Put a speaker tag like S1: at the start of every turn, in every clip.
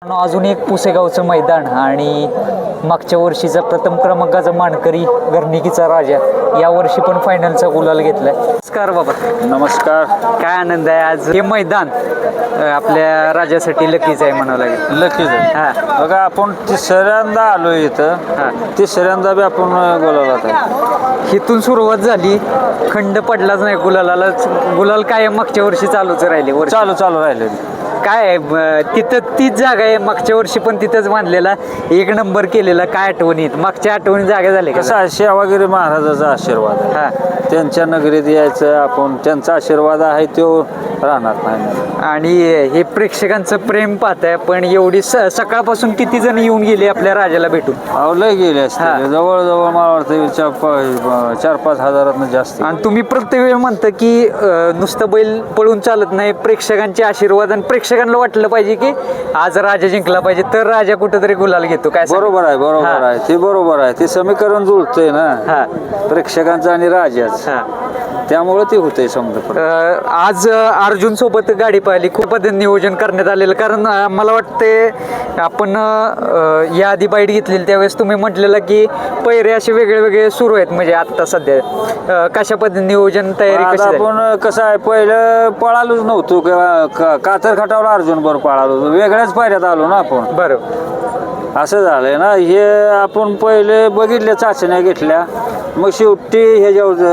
S1: अजून एक पुसेगावचं मैदान आणि मागच्या वर्षीचा प्रथम क्रमांकाचा मानकरी घरणिकीचा राजा या वर्षी पण फायनलचा गुलाल घेतलाय. नमस्कार बाबा.
S2: नमस्कार.
S1: काय आनंद आहे आज. हे मैदान आपल्या राजासाठी लकीच आहे म्हणावं लागेल.
S2: लकीच आहे.
S1: हा
S2: बघा आपण तिसऱ्यांदा आलो इथं. तिसऱ्यांदा बी आपण गुलालात आहे.
S1: इथून सुरुवात झाली, खंड पडलाच नाही गुलालाला. गुलाल काय मागच्या वर्षी चालूच राहिले.
S2: चालू राहिले.
S1: काय आहे तिथं तीच जागा आहे. मागच्या वर्षी पण तिथंच बांधलेला, एक नंबर केलेला. काय आठवणीत मागच्या आठवणी जागा झाले
S2: कसं आहे, सेवागिरी महाराजाचा आशीर्वाद आहे.
S1: हा
S2: त्यांच्या नगरीत यायचं आपण, त्यांचा आशीर्वाद आहे तो राहणार नाही.
S1: आणि हे प्रेक्षकांचं प्रेम पाहताय. पण एवढी सकाळपासून किती जण येऊन गेले आपल्या राजाला भेटून.
S2: लय गेले असते. जवळजवळ मला वाटतं 4-5 हजारात जास्त.
S1: आणि तुम्ही प्रत्येक वेळ म्हणता की नुसतं बैल पळून चालत नाही, प्रेक्षकांचे आशीर्वाद. आणि प्रेक्षकांना वाटलं पाहिजे की आज राजा जिंकला पाहिजे तर राजा कुठेतरी गुलाल घेतो. काय
S2: बरोबर आहे ते बरोबर आहे. ते समीकरण जुळतंय ना प्रेक्षकांचं आणि राजाच. त्यामुळे ते होतंय समजा.
S1: आज अर्जुन सोबत गाडी पाहिली, खूप नियोजन करण्यात आलेलं. कारण मला वाटते आपण या आधी बाईट घेतलेली त्यावेळेस तुम्ही म्हटलेलं की पैरे असे वेगळे वेगळे सुरू आहेत. म्हणजे आता सध्या कशा पद्धतीने नियोजन तयारी कशी झाली?
S2: आपण कसं आहे, पहिलं पळालोच नव्हतो किंवा कातर खटावला अर्जुन बरोबर पळालो, वेगळ्याच पायऱ्यात आलो ना आपण.
S1: बरोबर
S2: असं झालंय ना. हे आपण पहिले बघितल्या, चाचण्या घेतल्या, मग शेवटी ह्याच्यावर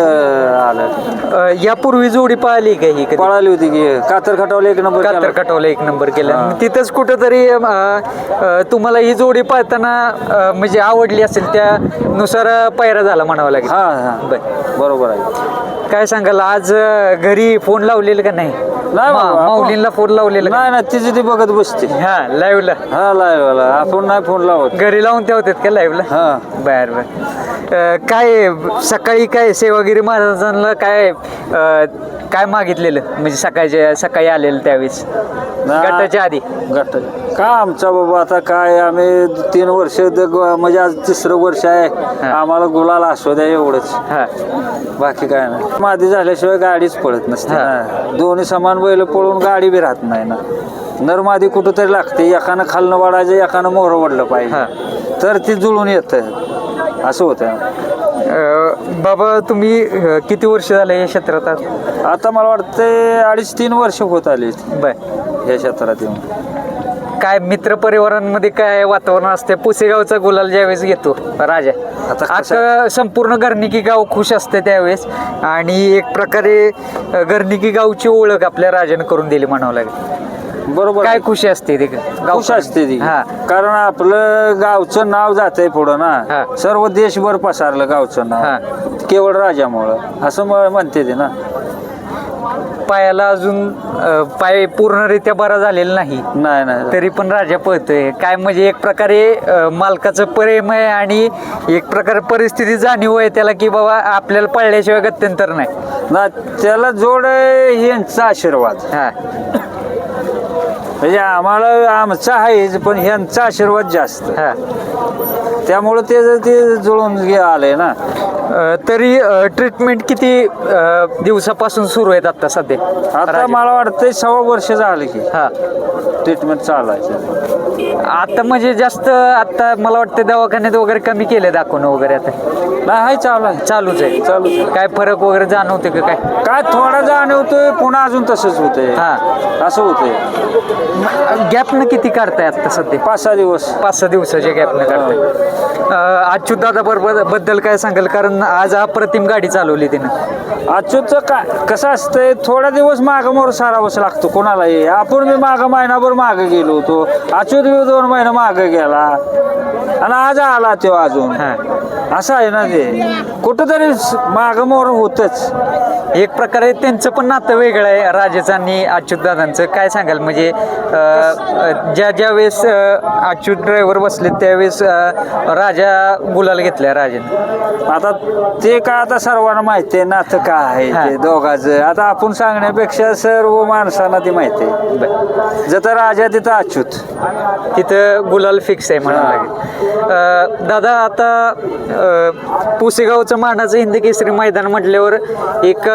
S2: आलं.
S1: यापूर्वी जोडी पाहिली का ही?
S2: पळाली होती की कातर खटावला 1 नंबर.
S1: कातर खटावला 1 नंबर केला. तिथंच कुठंतरी तुम्हाला ही जोडी पाहताना म्हणजे आवडली असेल, त्यानुसार पायरा झाला म्हणावं लागेल.
S2: बरोबर आहे.
S1: काय सांगाल आज घरी फोन लावलेला का नाही? माऊलींना फोन लावलेला
S2: नाही ना, तिची ती बघत बसते.
S1: लाईव्हला.
S2: लाईव्हला आपण नाही फोन लावत.
S1: घरी लावून ठेवतात का लाईव्हला? बर काय सकाळी काय सेवागिरी महाराजांना काय मागितलेलं म्हणजे सकाळी आलेलं त्यावेळेस गटाच्या आधी?
S2: का आमचा बाबा आता काय, आम्ही 3 वर्ष म्हणजे आज 3रं वर्ष आहे. आम्हाला गुलाल असू द्या एवढंच. बाकी काय नाही. मादी झाल्याशिवाय गाडीच पळत नसते ना. दोन्ही समान बैल पळून गाडी बी राहत नाही ना. नरमादी कुठंतरी लागते. एकानं खालनं वाढायचं, एकानं मोहर वडलं पाहिजे, तर ती जुळून येतं. असं होतं.
S1: बाबा तुम्ही किती वर्ष झाले या क्षेत्रात?
S2: आता मला वाटतं 2.5-3 वर्ष होत आली या क्षेत्रात येऊन.
S1: काय मित्र परिवारांमध्ये काय वातावरण असते? पुसेगावचा गुलाल ज्यावेळेस घेतो राजा, आता संपूर्ण घरणिकी गाव खुश असते त्यावेळेस. आणि एक प्रकारे घरणिकी गावची ओळख आपल्या राजाने करून दिली म्हणावं लागेल.
S2: बरोबर.
S1: काय खुशी असते ती?
S2: खुश असते ती. कारण आपलं गावचं नाव जातंय पुढं ना. सर्व देशभर पसारलं गावचं नाव केवळ राजामुळं, असं म्हणते ते ना.
S1: पायाला अजून पाय पूर्णरित्या बरा झालेला नाही, तरी पण राजा पळतोय. काय म्हणजे एक प्रकारे मालकाचं प्रेम आहे आणि एक प्रकारे परिस्थिती जाणीव आहे त्याला की बाबा आपल्याला पळल्याशिवाय गत्यंतर नाही
S2: ना. त्याला जोड ह्यांचा आशीर्वाद. म्हणजे आम्हाला आमचा आहेच, पण ह्यांचा आशीर्वाद जास्त. त्यामुळं ते जुळून आलंय ना.
S1: तरी ट्रीटमेंट किती दिवसापासून सुरू आहेत आता सध्या?
S2: आता मला वाटतं 6 वर्ष झालं की ट्रीटमेंट चालायचं.
S1: आता म्हणजे जास्त आता मला वाटतं दवाखान्यात वगैरे कमी केले दाखवणं वगैरे? आता
S2: नाही,
S1: चालूच आहे. काय फरक वगैरे जाणवते का? काय
S2: थोडा जाणवतोय, पुन्हा अजून तसंच होतंय. असं होतंय.
S1: गॅपनं किती काढताय आता सध्या?
S2: 5-6 दिवस.
S1: 5-6 दिवसाच्या गॅपनं काढताय. अच्युत दादा बद्दल काय सांगाल? कारण आज अप्रतिम गाडी चालवली तिनं.
S2: अच्युतचं काय कसं असतंय, थोडा दिवस मागं मोर सारावंच लागतो कोणालाही. आपण मी मागं महिनाभर मागं गेलो होतो, अच्युत बी 2 महिने मागं गेला आणि आज आला तो अजून. असं आहे ना, ते कुठंतरी मागं मोर होतच.
S1: एक प्रकारे त्यांचं पण नातं वेगळं आहे राजाचं आणि अच्युत दादांचं. काय सांगाल म्हणजे ज्या वेळेस अच्युत ड्रायव्हर बसले त्यावेळेस राजा गुलाल घेतलाय राजाने.
S2: आता ते काय आता सर्वांना माहिती आहे नातं काय आहे ते दोघांचं. आता आपण सांगण्यापेक्षा सर्व माणसांना ती माहिती आहे. जर राजा तिथं अच्युत,
S1: तिथं गुलाल फिक्स आहे म्हणावं लागेल. दादा आता पुसेगावचं मानाचं हिंद केसरी मैदान म्हटल्यावर एक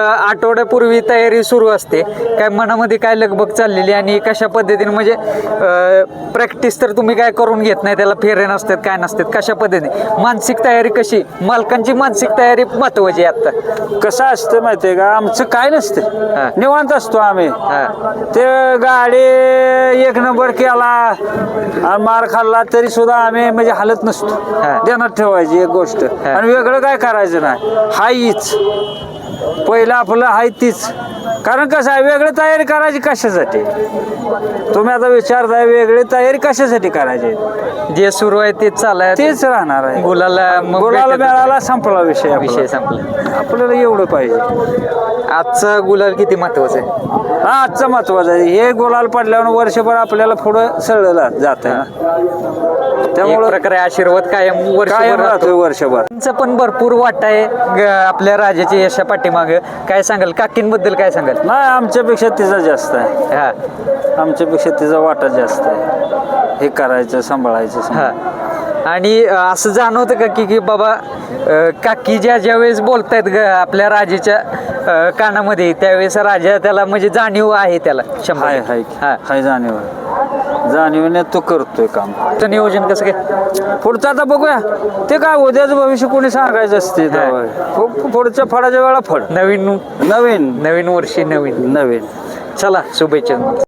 S1: आठवड्यापूर्वी तयारी सुरू असते, काय मनामध्ये काय लगबग चाललेली आणि कशा पद्धतीने म्हणजे प्रॅक्टिस तर तुम्ही काय करून घेत नाही, त्याला फेरे नसतात काय नसतात, कशा पद्धतीने मानसिक तयारी कशी, मालकांची मानसिक तयारी महत्वाची आहे आता?
S2: कसं असतं माहितीये का, आमचं काय
S1: हा.
S2: नसतं, निवांत असतो आम्ही.
S1: हा.
S2: ते गाडी एक नंबर केला आणि मार खाल्ला तरी सुद्धा आम्ही म्हणजे हालत नसतो.
S1: हा.
S2: ध्यानात ठेवायची एक गोष्ट, आणि वेगळं काय करायचं नाही. हायच पहिलं आपलं हाय तीच. कारण कसं आहे, वेगळी तयारी करायची कशासाठी? तुम्ही आता विचारताय वेगळी तयारी कशासाठी करायची?
S1: जे सुरू आहे तेच चालाय,
S2: तेच राहणार आहे.
S1: गुलाला मग
S2: गुलाला
S1: भेटत-
S2: मिळाला, संपला विषय आपला.
S1: विषय संपला.
S2: आपल्याला एवढं पाहिजे.
S1: आजचा गुलाल किती महत्वाचा आहे?
S2: हा, आजचं महत्वाचं आहे. हे गुलाल पडल्यावर वर्षभर आपल्याला पुढं सळलं जात आहे ना,
S1: एक
S2: त्यामुळं
S1: प्रकारे आशीर्वाद कायम
S2: कायम
S1: वर्षभर
S2: राहतोय
S1: राहतो.
S2: वर्षभर.
S1: त्यांचा पण भरपूर वाटा आहे आपल्या राजाच्या यशा पाठीमाग. काय सांगाल काकींबद्दल, काय सांगाल?
S2: नाही, आमच्यापेक्षा तिचा जास्त आहे.
S1: हा.
S2: आमच्यापेक्षा तिचा वाटा जास्त आहे. हे करायचं, सांभाळायचं.
S1: हा. आणि असं जाणवतं का की बाबा काकी ज्या वेळेस बोलतायत आपल्या राजाच्या कानामध्ये, त्यावेळेस राजा त्याला म्हणजे जाणीव आहे त्याला शंभर
S2: हाय
S1: टक्के.
S2: हाय
S1: हा.
S2: हाय जाणीवने तो करतोय काम.
S1: तुमचं नियोजन कसं काय?
S2: पुढचं आता बघूया, ते काय उद्याचं भविष्य कोणी सांगायचं असते. पुढच्या फळाच्या वेळा फळ
S1: नवीन
S2: नवीन
S1: नवीन वर्षी नवीन.
S2: नवीन.
S1: चला, शुभेच्छा.